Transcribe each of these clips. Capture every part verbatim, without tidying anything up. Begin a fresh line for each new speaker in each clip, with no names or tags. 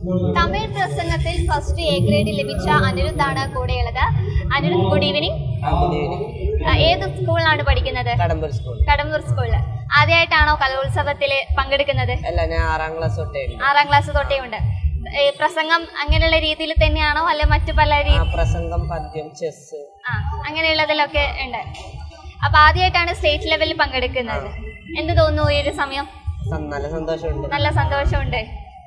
തമിഴ് പ്രസംഗത്തിൽ first A grade ലഭിച്ച അനിരുദ്ധാണ് കൂടെയുള്ളത്. Anirudh, good evening. ഏത് സ്കൂളിലാണ് പഠിക്കുന്നത്?
കടമ്പൂർ സ്കൂൾ.
കടമ്പൂർ സ്കൂളിൽ ആദ്യമായിട്ടാണോ കലോത്സവത്തിൽ പങ്കെടുക്കുന്നത്?
അല്ല, ഞാൻ ആറാം ക്ലാസ് തൊട്ടേ
ആറാം ക്ലാസ് തൊട്ടേ ഉണ്ട്. പ്രസംഗം അങ്ങനെയുള്ള രീതിയിൽ തന്നെയാണോ അല്ല മറ്റു പല
പ്രസംഗം, പദ്യം, ചെസ്
ആ അങ്ങനെയുള്ളതിലൊക്കെ ഉണ്ട്. അപ്പൊ ആദ്യമായിട്ടാണ് സ്റ്റേറ്റ് ലെവലിൽ പങ്കെടുക്കുന്നത്. എന്ത് തോന്നുന്നു ഈ ഒരു സമയം?
നല്ല സന്തോഷമുണ്ട്.
നല്ല സന്തോഷമുണ്ട്.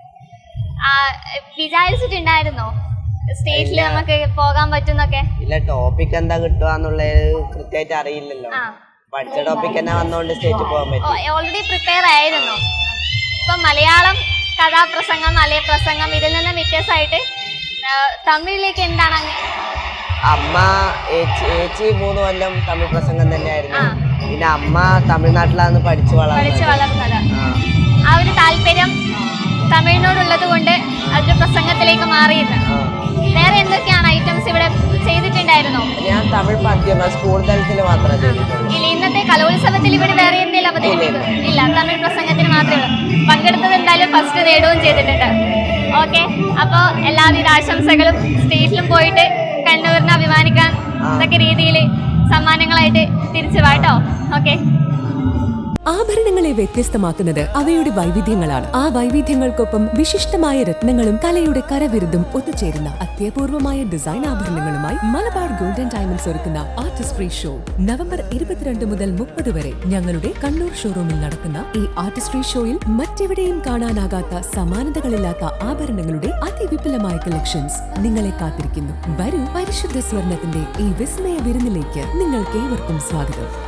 വിചാരിച്ചിട്ടുണ്ടായിരുന്നോ സ്റ്റേറ്റിൽ നമുക്ക് പോകാൻ പറ്റുന്നൊക്കെ?
ഇല്ല, ടോപ്പിക് എന്താ കിട്ടുകയെന്നുള്ളത് കൃത്യമായിട്ട് അറിയില്ലല്ലോ. പഠിച്ച ടോപ്പിക് തന്നെ വന്നോണ്ട് സ്റ്റേറ്റിൽ പോകാൻ പറ്റും.
ഓൾറെഡി പ്രിപ്പയർ ആയിരുന്നു. ഇപ്പൊ മലയാളം കഥാപ്രസംഗം, മലയ പ്രസംഗം ഇതിൽ നിന്ന് വ്യത്യാസമായിട്ട് തമിഴിലേക്ക് എന്താണ്?
അമ്മ ഏച്ചി മൂന്ന് കൊല്ലം തമിഴ് പ്രസംഗം തന്നെയായിരുന്നു. പിന്നെ അമ്മ തമിഴ്നാട്ടിലാണ് പഠിച്ചു
പഠിച്ചു വളർന്നത്. ആ ഒരു താല്പര്യം തമിഴിനോടുള്ളത് കൊണ്ട് അതൊരു പ്രസംഗത്തിലേക്ക് മാറിയത്. വേറെ എന്തൊക്കെയാണ് ഐറ്റംസ് ഇവിടെ ചെയ്തിട്ടുണ്ടായിരുന്നോ?
ഞാൻ തമിഴ് പദ്യം സ്കൂൾ തലത്തിൽ മാത്രമേ ചെയ്തിട്ടുള്ളൂ.
ഇല്ല, ഇന്നത്തെ കലോത്സവത്തിൽ ഇവിടെ വേറെ എന്തെങ്കിലും അവതരിപ്പിക്കും? ഇല്ല, തമിഴ് പ്രസംഗത്തിന് മാത്രമേ ഉള്ളൂ. പങ്കെടുത്തത് എന്തായാലും ഫസ്റ്റ് നേടുകയും ചെയ്തിട്ടുണ്ട്. ഓക്കെ, അപ്പോൾ എല്ലാവിധ ആശംസകളും. സ്റ്റേജിലും പോയിട്ട് കണ്ണൂരിനെ അഭിമാനിക്കാൻ ഇതൊക്കെ രീതിയിൽ സമ്മാനങ്ങളായിട്ട് തിരിച്ചു വാട്ടോ. ഓക്കെ.
ആഭരണങ്ങളെ വ്യത്യസ്തമാക്കുന്നത് അവയുടെ വൈവിധ്യങ്ങളാണ്. ആ വൈവിധ്യങ്ങൾക്കൊപ്പം വിശിഷ്ടമായ രത്നങ്ങളും കലയുടെ കരവിരുതും ഒത്തുചേരുന്ന അത്യപൂർവമായ ഡിസൈൻ ആഭരണങ്ങളുമായി മലബാർ ഗോൾഡൻ ഡയമണ്ട്സ് ഒരുക്കുന്ന ആർട്ടിസ്ട്രി ഷോ നവംബർ ഇരുപത്തിരണ്ട് മുതൽ മുപ്പത് വരെ ഞങ്ങളുടെ കണ്ണൂർ ഷോറൂമിൽ നടക്കുന്ന ഈ ആർട്ടിസ്ട്രി ഷോയിൽ മറ്റെവിടെയും കാണാനാകാത്ത സമാനതകളില്ലാത്ത ആഭരണങ്ങളുടെ അതിവിപുലമായ കളക്ഷൻസ് നിങ്ങളെ കാത്തിരിക്കുന്നു. വരൂ, പരിശുദ്ധ സ്വർണത്തിന്റെ ഈ വിസ്മയ വിരുന്നിലേക്ക് നിങ്ങൾക്ക് ഏവർക്കും സ്വാഗതം.